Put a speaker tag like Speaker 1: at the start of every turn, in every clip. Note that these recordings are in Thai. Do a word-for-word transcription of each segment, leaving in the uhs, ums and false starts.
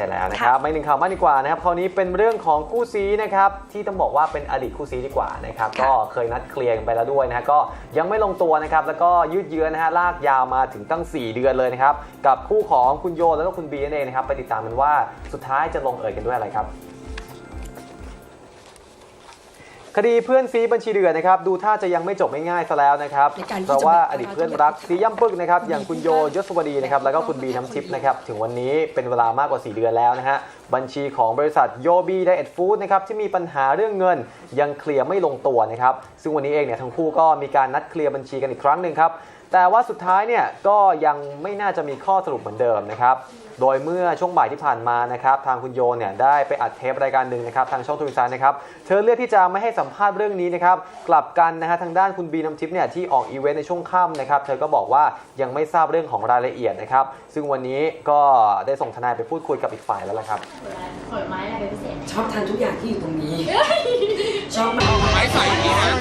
Speaker 1: ช่แล้วนะครับไม่หนึ่งข่าวมากดีกว่านะครับคราวนี้เป็นเรื่องของคู่ซีนะครับที่ต้องบอกว่าเป็นอดีตคู่ซีดีกว่านะครับก็เคยนัดเคลียร์กันไปแล้วด้วยนะฮะก็ยังไม่ลงตัวนะครับแล้วก็ยืดเยื้อนะฮะลากยาวมาถึงตั้งสี่เดือนเลยนะครับกับคู่ของคุณโยแล้วก็คุณบีนั่นเองนะครับไปติดตามกันว่าสุดท้ายจะลงเอยกันด้วยอะไรครับคดีเพื่อนซีบัญชีเดือนนะครับดูท่าจะยังไม่จบง่ายๆซะแล้วนะครับเพราะว่าอดีตเพื่อนรักซีย่ำปึกนะครับอย่างคุณโยยศวดีนะครับแล้วก็คุณบีน้ำทิพย์นะครับถึงวันนี้เป็นเวลามากกว่าสี่เดือนแล้วนะฮะบัญชีของบริษัทโยบีไดเอทฟู้ดนะครับที่มีปัญหาเรื่องเงินยังเคลียร์ไม่ลงตัวนะครับซึ่งวันนี้เองเนี่ยทั้งคู่ก็มีการนัดเคลียร์บัญชีกันอีกครั้งหนึ่งครับแต่ว่าสุดท้ายเนี่ยก็ยังไม่น่าจะมีข้อสรุปเหมือนเดิมนะครับโดยเมื่อช่วงบ่ายที่ผ่านมานะครับทางคุณโยเนี่ยได้ไปอัดเทปรายการหนึ่งนะครับทางช่องทวิตเตอร์นะครับเธอเลือกที่จะไม่ให้สัมภาษณ์เรื่องนี้นะครับกลับกันนะฮะทางด้านคุณบีน้ำทิพย์เนี่ยที่ออกอีเวนต์ในช่วงค่ำนะครับเธอก็บอกว่ายังไม่ทราบเรื่องของรายละเอียดนะครับซึ่งวันนี้ก็ได้ส่งทนายไปพูดคุยกับอีกฝ่ายแล้วละครับ
Speaker 2: ผลไม้อะไรเป็นพิเศษ
Speaker 3: ชอบทานทุกอย่างที่อยู่ตรงนี้ชอบ
Speaker 4: ไม้ใส่ดีนะ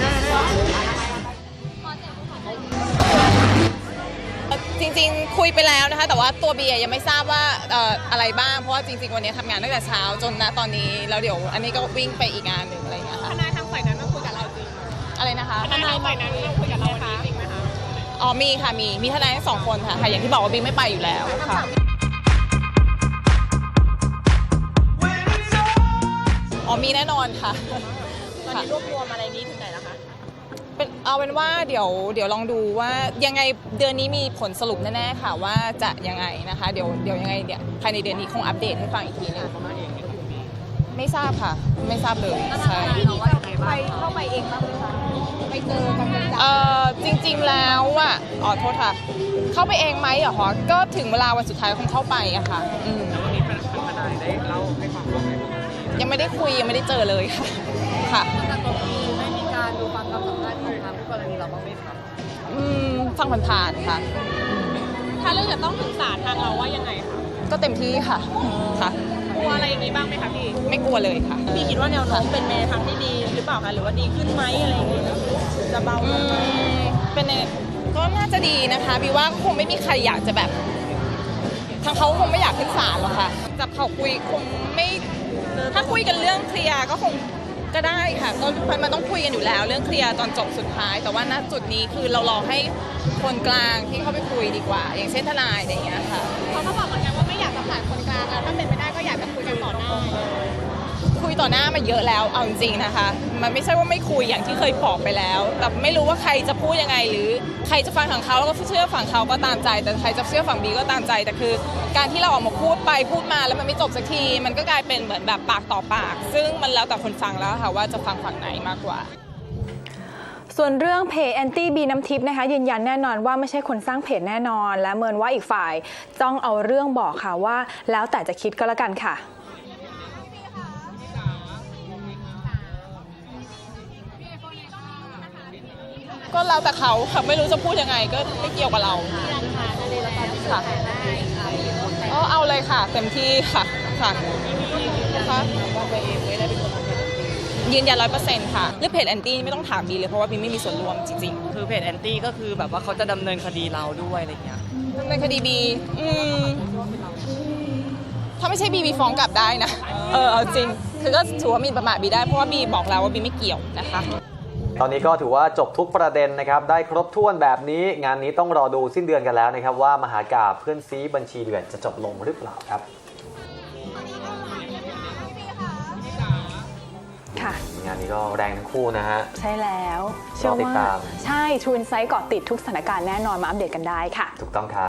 Speaker 5: จริงๆคุยไปแล้วนะคะแต่ว่าตัวเบียยังไม่ทราบว่าเอ่ออะไรบ้างเพราะว่าจริงๆวันนี้ทำงานตั้งแต่เช้าจนณตอนนี้แล้วเดี๋ยวอันนี้ก็วิ่งไปอีกงานหนึ่งอะไรอย่างเงี้ยค่ะ
Speaker 2: ทนายทางฝ่ายนั้นมาคุยกับเราจริง
Speaker 5: อะไรนะคะ
Speaker 2: ทนายฝ่ายนั้นมาคุยกับเราจริงไหมคะ
Speaker 5: อ๋อมีค่ะมีมีทนายทั้งสองคนค่ะค่ะอย่างที่บอกว่าบิ๊กไม่ไปอยู่แล้วค่ะอ๋อมีแน่นอนค่ะ
Speaker 2: ตอนนี้รวบรวมอะไรนี้ถึงไหนแล้วคะ
Speaker 5: เป็นเอาเป็นว่าเดี๋ยวเดี๋ยวลองดูว่ายังไงเดือนนี้มีผลสรุปแน่ๆค่ะว่าจะยังไงนะคะเดี๋ยวเดี๋ยวยังไงเนี่ยภายในเดือนนี้คงอัปเดตให้ฟังอีกทีนึงไม่ทราบค่ะไม่ทราบเลยใช่
Speaker 2: ไปเข้าไปเองบ้างไหมคะไปเจอกัน
Speaker 5: เอ่อจริงๆแล้วอ่ะอ๋อโทษค่ะเข้าไปเองไหมเหรอคะก็ถึงเวลาวันสุดท้ายคงเข้าไปอะค่ะอืม
Speaker 4: วันนี้เป็นทนายได้เล่าให้ฟังว่าไง
Speaker 5: ยังไม่ได้คุยยังไม่ได้เจอเลยค่ะค่ะ
Speaker 2: ไม่มีการดูฟังคำสัมภาษณ์ของทางผู้กรณีเราบ้างไหมคะ
Speaker 5: อืมฟังผ่านๆค่ะ
Speaker 2: ถ้าเรื่องจะต้องถึงศาลทางเราว่ายังไงคะ
Speaker 5: ก็เต็มที่ค่ะค่ะ
Speaker 2: กลัวอะไรอย่างนี้บ้างไหมคะพี่
Speaker 5: ไม่กลัวเลยค่ะ
Speaker 2: พี่คิดว่าแนวโน้มเป็นในทางที่ดีหรือเปล่าคะหรือว่าดีขึ้นไหมอะไรอย่างเงี้ยจะเบาลง
Speaker 5: เป็นก็น่าจะดีนะคะบีว่าคงไม่มีใครอยากจะแบบทางเขาคงไม่อยากขึ้นศาลหรอกค่ะจับเขาคุยคงไม่ถ้าคุยกันเรื่องเคลียร์ก็คงก็ได้ค่ะก็มันต้องคุยกันอยู่แล้วเรื่องเคลียร์ตอนจบสุดท้ายแต่ว่าณจุดนี้คือเรารอให้คนกลางที่เข้าไปคุยดีกว่าอย่างเช่นทนายอะไรอย่างเงี้ยค่ะ
Speaker 2: เขาก็บอกเหมือนกันว่าไม่อยากจะผ่านคนกลางถ้าเป็นไปได้ก็อยากจะคุยกันต่อหน้า
Speaker 5: คุยต่อหน้ามาเยอะแล้วเอาจริงๆนะคะมันไม่ใช่ว่าไม่คุยอย่างที่เคยบอกไปแล้วแต่ไม่รู้ว่าใครจะพูดยังไงหรือใครจะฟังฝั่งเขาแล้วก็เชื่อฝั่งเขาก็ตามใจแต่ใครจะเชื่อฝั่งบีก็ตามใจแต่คือการที่เราออกมาพูดไปพูดมาแล้วมันไม่จบสักทีมันก็กลายเป็นเหมือนแบบปากต่อปากซึ่งมันแล้วแต่คนฟังแล้วค่ะว่าจะฟังฝั่งไหนมากกว่า
Speaker 6: ส่วนเรื่องเพจแอนตี้บีน้ำทิพย์นะคะยืนยันแน่นอนว่าไม่ใช่คนสร้างเพจแน่นอนและเมินว่าอีกฝ่ายจ้องเอาเรื่องบอกค่ะว่าแล้วแต่จะคิดก็แล้วกันค่ะ
Speaker 5: ก็แล้วแต่เขาค่ะไม่รู้จะพูดยังไงก็ไม่เกี่ยวกับเราค่ะอ๋อเอาเลยค่ะเต็มที่ค่ะค่ะค่ะยืนยันร้อยเปอร์เซ็นต์ค่ะเรื่องเพจแอนตี้ไม่ต้องถามบีเลยเพราะว่าบีไม่มีส่วนร่วมจริง
Speaker 4: ๆคือเพจแอนตี้ก็คือแบบว่าเขาจะดำเนินคดีเราด้วยอะไรเงี้ย
Speaker 5: ดำเนินคดีบีอืมถ้าไม่ใช่บีบีฟ้องกลับได้นะเออเอาจริงคือก็ถือว่ามีประมาทบีได้เพราะว่าบีบอกแล้วว่าบีไม่เกี่ยวนะคะ
Speaker 1: ตอนนี้ก็ถือว่าจบทุกประเด็นนะครับได้ครบถ้วนแบบนี้งานนี้ต้องรอดูสิ้นเดือนกันแล้วนะครับว่ามหากาพย์เพื่อนซีบัญชีเดือนจะจบลงหรือเปล่าครับ
Speaker 6: ค่ะ
Speaker 1: งานนี้ก็แรงทั้งคู่นะฮะ
Speaker 6: ใช่แล้วเชื่อว่าใช่ทรูอินไซต์เกาะติดทุกสถานการณ์แน่นอนมาอัปเดตกันได้ค่ะ
Speaker 1: ถูกต้องครับ